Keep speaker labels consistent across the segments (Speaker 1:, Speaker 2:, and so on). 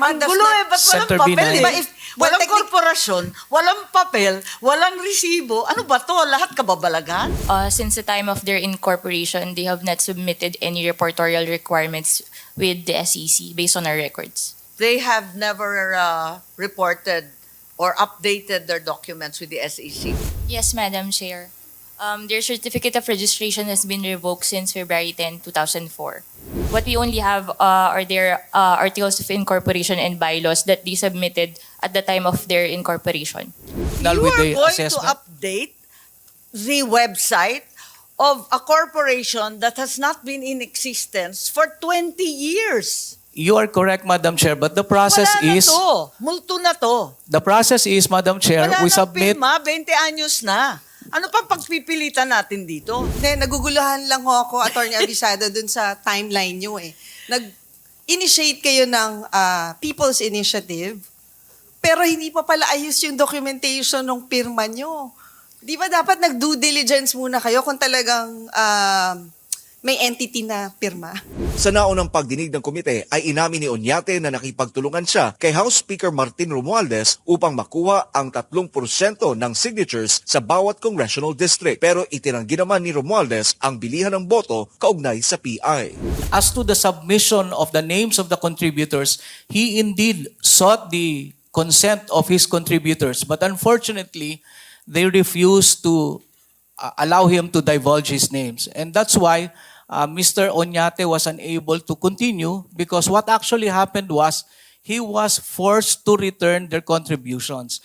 Speaker 1: Ang
Speaker 2: does
Speaker 1: gulo
Speaker 2: not-
Speaker 1: ba't walang
Speaker 3: Senator
Speaker 1: papel?
Speaker 3: Binay.
Speaker 1: Diba, if walang
Speaker 2: technic-
Speaker 1: korporasyon, walang papel, walang resibo, ano ba to? Lahat kababalagan?
Speaker 4: Since the time of their incorporation, they have not submitted any reportorial requirements with the SEC based on our records.
Speaker 1: They have never reported or updated their documents with the SEC.
Speaker 4: Yes, Madam Chair. Their certificate of registration has been revoked since February 10, 2004. What we only have are their articles of incorporation and bylaws that they submitted at the time of their incorporation.
Speaker 3: Null
Speaker 1: You
Speaker 3: with
Speaker 1: are
Speaker 3: the
Speaker 1: going
Speaker 3: assessment.
Speaker 1: to update the website of a corporation that has not been in existence for 20 years.
Speaker 3: You are correct, Madam Chair, but the process
Speaker 1: Wala na
Speaker 3: is
Speaker 1: to. Multo na to.
Speaker 3: Madam Chair,
Speaker 1: Wala
Speaker 3: we
Speaker 1: nang
Speaker 3: submit
Speaker 1: pirma, 20 anyos na. Ano pa pagpipilitan natin dito?
Speaker 2: Hindi, naguguluhan lang ho ako, Attorney Abisado, dun sa timeline nyo eh. Nag-initiate kayo ng People's Initiative, pero hindi pa pala ayos yung documentation ng pirma nyo. Di ba dapat nag-due diligence muna kayo kung talagang may entity na pirma?
Speaker 5: Sa naunang pagdinig ng komite ay inamin ni Oñate na nakipagtulungan siya kay House Speaker Martin Romualdez upang makuha ang 3% ng signatures sa bawat congressional district. Pero itinanggi naman ni Romualdez ang bilihan ng boto kaugnay sa PI.
Speaker 3: as to the submission of the names of the contributors, he indeed sought the consent of his contributors, but unfortunately, they refused to allow him to divulge his names. And that's why Mr. Oñate was unable to continue, because what actually happened was he was forced to return their contributions.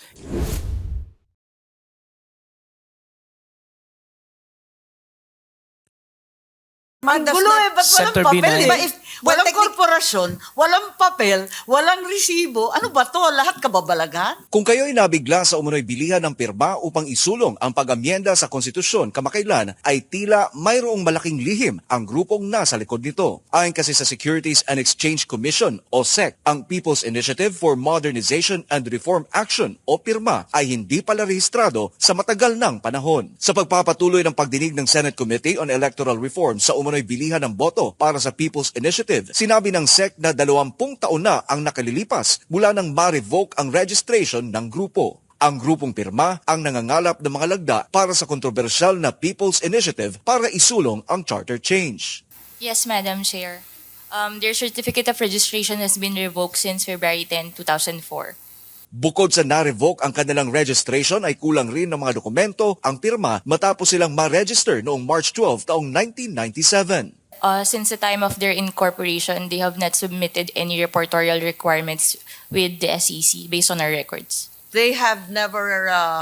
Speaker 1: Ang
Speaker 2: does
Speaker 1: gulo
Speaker 2: not-
Speaker 1: ba't walang
Speaker 3: Senator
Speaker 1: papel?
Speaker 3: Binay.
Speaker 1: Diba, if walang
Speaker 2: technic-
Speaker 1: korporasyon, walang papel, walang resibo, ano ba to? Lahat kababalagan?
Speaker 5: Kung kayo'y nabigla sa umunoy bilihan ng pirma upang isulong ang pag-amyenda sa konstitusyon kamakailan, ay tila mayroong malaking lihim ang grupong nasa likod nito. Ayon kasi sa Securities and Exchange Commission o SEC, ang People's Initiative for Modernization and Reform Action o PIRMA ay hindi pala rehistrado sa matagal ng panahon. Sa pagpapatuloy ng pagdinig ng Senate Committee on Electoral Reform sa umunoy bilihan ng boto para sa People's Initiative, sinabi ng SEC na 20 taon na ang nakalilipas mula nang ma-revoke ang registration ng grupo. Ang grupong pirma ang nangangalap ng mga lagda para sa kontrobersyal na People's Initiative para isulong ang charter change.
Speaker 4: Yes, Madam Chair. Their certificate of registration has been revoked since February 10, 2004.
Speaker 5: Bukod sa na-revoke ang kanilang registration ay kulang rin ng mga dokumento ang pirma matapos silang ma-register noong March 12 taong 1997.
Speaker 4: Since the time of their incorporation, they have not submitted any reportorial requirements with the SEC based on our records.
Speaker 1: They have never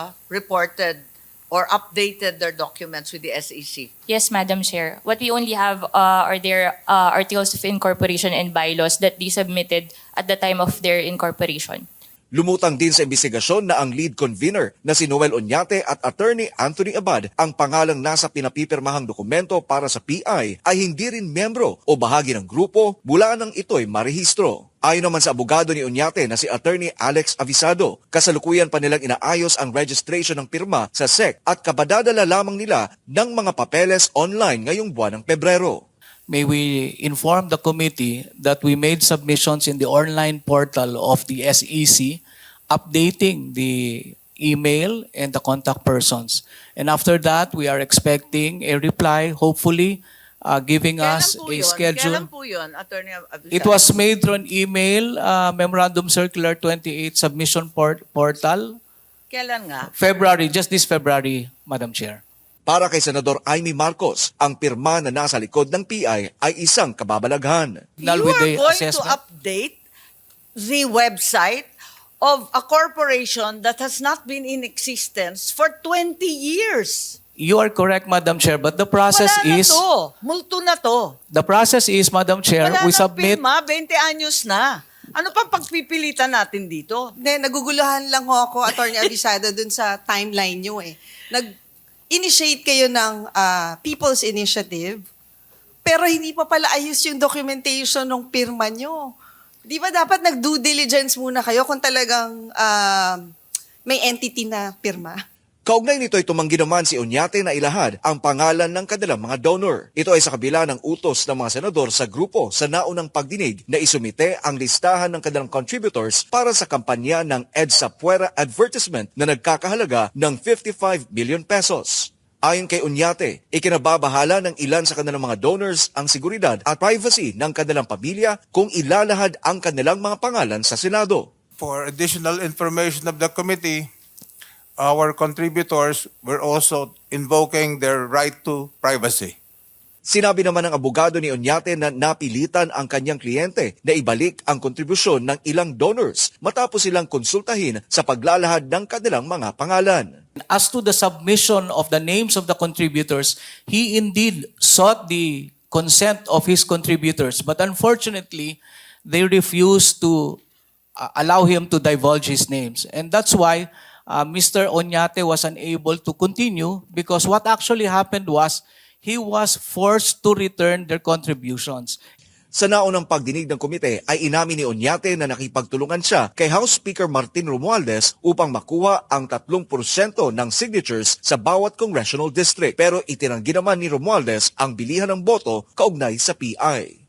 Speaker 1: reported or updated their documents with the SEC.
Speaker 4: Yes, Madam Chair. What we only have are their articles of incorporation and bylaws that they submitted at the time of their incorporation.
Speaker 5: Lumutang din sa investigasyon na ang lead convener na si Noel Oñate at Attorney Anthony Abad ang pangalang nasa pinapipirmahang dokumento para sa PI ay hindi rin membro o bahagi ng grupo mula nang ito'y marehistro. Ayon naman sa abogado ni Oñate na si Attorney Alex Avisado, kasalukuyan pa nilang inaayos ang registration ng pirma sa SEC at kabadadala lamang nila ng mga papeles online ngayong buwan ng Pebrero.
Speaker 3: May we inform the committee that we made submissions in the online portal of the SEC, updating the email and the contact persons. And after that, we are expecting a reply, hopefully giving us a schedule.
Speaker 1: Kailan po yun, Attorney Abisado?
Speaker 3: It was made through an email, Memorandum Circular 28 Submission Portal,
Speaker 1: Kailan nga?
Speaker 3: February, just this February, Madam Chair.
Speaker 5: Para kay Senador Amy Marcos, ang pirma na nasa likod ng PI ay isang kababalaghan.
Speaker 3: Null
Speaker 1: You
Speaker 3: with
Speaker 1: are
Speaker 3: the
Speaker 1: going to
Speaker 3: assessment.
Speaker 1: update the website of a corporation that has not been in existence for 20 years.
Speaker 3: You are correct, Madam Chair, but the process
Speaker 1: Wala na
Speaker 3: is
Speaker 1: to. Multo na to.
Speaker 3: the process is, Madam Chair,
Speaker 1: Wala
Speaker 3: we
Speaker 1: nang
Speaker 3: submit.
Speaker 1: pirma, 20 anyos na. Ano pa pagpipilitan natin dito?
Speaker 2: Hindi, naguguluhan lang ho ako, Attorney Abisado, dun sa timeline nyo eh. Nag-initiate kayo ng People's Initiative, pero hindi pa pala ayos yung documentation ng pirma nyo. Di ba dapat nag-due diligence muna kayo kung talagang may entity na pirma?
Speaker 5: Kaugnay nito ay tumanggi naman si Oñate na ilahad ang pangalan ng kanilang mga donor. Ito ay sa kabila ng utos ng mga senador sa grupo sa naunang pagdinig na isumite ang listahan ng kanilang contributors para sa kampanya ng EDSA Puera advertisement na nagkakahalaga ng 55 million pesos. Ayon kay Oñate, ikinababahala ng ilan sa kanilang mga donors ang seguridad at privacy ng kanilang pamilya kung ilalahad ang kanilang mga pangalan sa Senado.
Speaker 6: For additional information of the committee, our contributors were also invoking their right to privacy.
Speaker 5: Sinabi naman ng abogado ni Oñate na napilitan ang kanyang kliyente na ibalik ang kontribusyon ng ilang donors matapos silang konsultahin sa paglalahad ng kanilang mga pangalan.
Speaker 3: As to the submission of the names of the contributors, he indeed sought the consent of his contributors, but unfortunately, they refused to allow him to divulge his names. And that's why Mr. Oñate was unable to continue, because what actually happened was he was forced to return their contributions.
Speaker 5: Sa naunang pagdinig ng komite ay inamin ni Oñate na nakipagtulungan siya kay House Speaker Martin Romualdez upang makuha ang 3% ng signatures sa bawat congressional district. Pero itinanggi naman ni Romualdez ang bilihan ng boto kaugnay sa PI.